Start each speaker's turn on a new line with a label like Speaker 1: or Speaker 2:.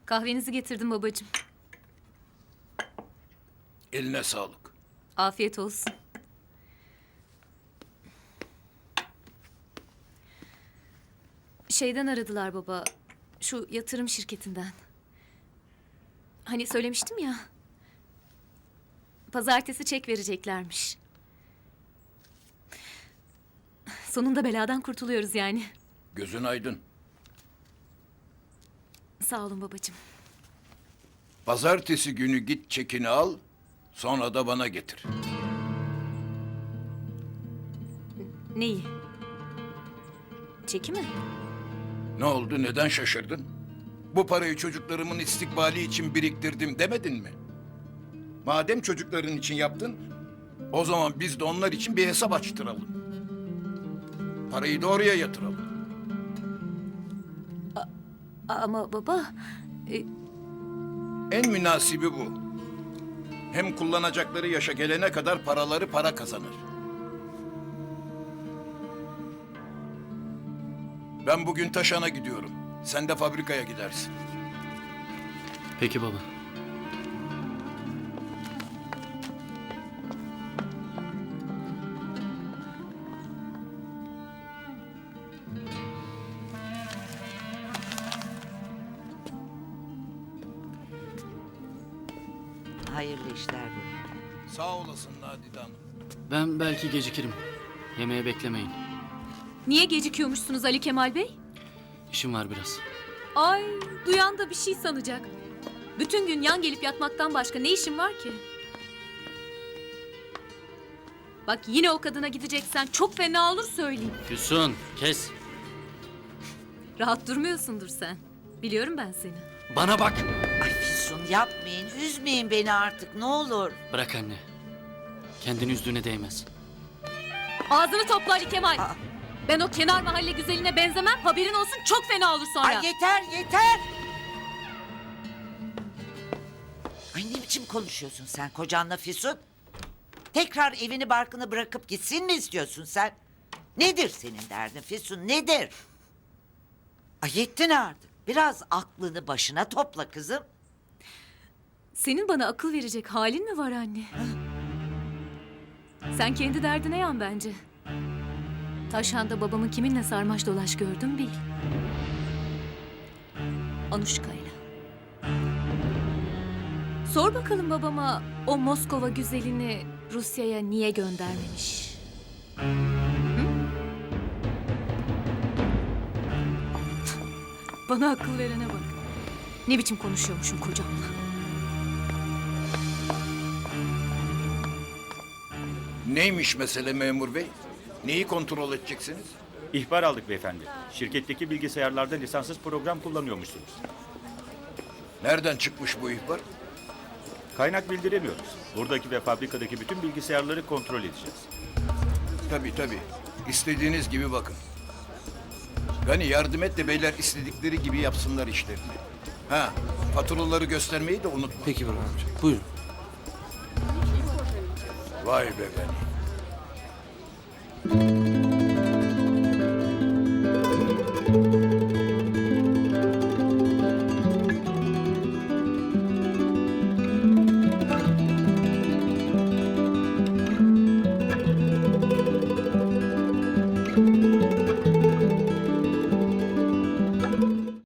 Speaker 1: Kahvenizi getirdim babacığım.
Speaker 2: Eline sağlık.
Speaker 1: Afiyet olsun. Şeyden aradılar baba. Şu yatırım şirketinden. Hani söylemiştim ya. Pazartesi çek vereceklermiş. Sonunda beladan kurtuluyoruz yani.
Speaker 2: Gözün aydın.
Speaker 1: Sağ olun babacığım.
Speaker 2: Pazartesi günü git çekini al, sonra da bana getir.
Speaker 1: Neyi? Çeki mi?
Speaker 2: Ne oldu, neden şaşırdın? Bu parayı çocuklarımın istikbali için biriktirdim demedin mi? Madem çocukların için yaptın, o zaman biz de onlar için bir hesap açtıralım. Parayı da oraya yatıralım.
Speaker 1: Ama baba...
Speaker 2: En münasibi bu. Hem kullanacakları yaşa gelene kadar paraları para kazanır. Ben bugün Taşan'a gidiyorum. Sen de fabrikaya gidersin.
Speaker 3: Peki baba.
Speaker 4: Hayırlı işler bu.
Speaker 2: Sağ olasın Nadide Hanım.
Speaker 3: Ben belki gecikirim. Yemeğe beklemeyin.
Speaker 1: Niye gecikiyormuşsunuz Ali Kemal Bey?
Speaker 3: İşim var biraz.
Speaker 1: Ay, duyan da bir şey sanacak. Bütün gün yan gelip yatmaktan başka ne işin var ki? Bak yine o kadına gideceksen çok fena olur söyleyeyim.
Speaker 3: Füsun kes.
Speaker 1: Rahat durmuyorsundur sen. Biliyorum ben seni.
Speaker 3: Bana bak.
Speaker 4: Ay Füsun yapmayın, üzmeyin beni artık ne olur.
Speaker 3: Bırak anne. Kendini üzdüğüne değmez.
Speaker 1: Ağzını topla Ali Kemal.
Speaker 4: Aa.
Speaker 1: Ben o kenar mahalle güzeline benzemem. Haberin olsun çok fena olur sonra.
Speaker 4: Ay yeter yeter. Ay ne biçim konuşuyorsun sen kocanla Füsun? Tekrar evini barkını bırakıp gitsin mi istiyorsun sen? Nedir senin derdin Füsun nedir? Ay yettin artık. Biraz aklını başına topla kızım.
Speaker 1: Senin bana akıl verecek halin mi var anne? Sen kendi derdine yan bence. Taşhan'da babamın kiminle sarmaş dolaş gördüm bil. Anuşka'yla. Sor bakalım babama o Moskova güzelini Rusya'ya niye göndermemiş? Hı? Bana akıl verene bak. Ne biçim konuşuyormuşum kocamla.
Speaker 2: Neymiş mesele memur bey? Neyi kontrol edeceksiniz?
Speaker 5: İhbar aldık beyefendi. Şirketteki bilgisayarlarda lisanssız program kullanıyormuşsunuz.
Speaker 2: Nereden çıkmış bu ihbar?
Speaker 5: Kaynak bildiremiyoruz. Buradaki ve fabrikadaki bütün bilgisayarları kontrol edeceğiz.
Speaker 2: Tabii. İstediğiniz gibi bakın. Gani yardım et de beyler istedikleri gibi yapsınlar işlerini. Ha, faturaları göstermeyi de unutma.
Speaker 3: Peki baba amca. Buyurun.
Speaker 2: Vay be Gani.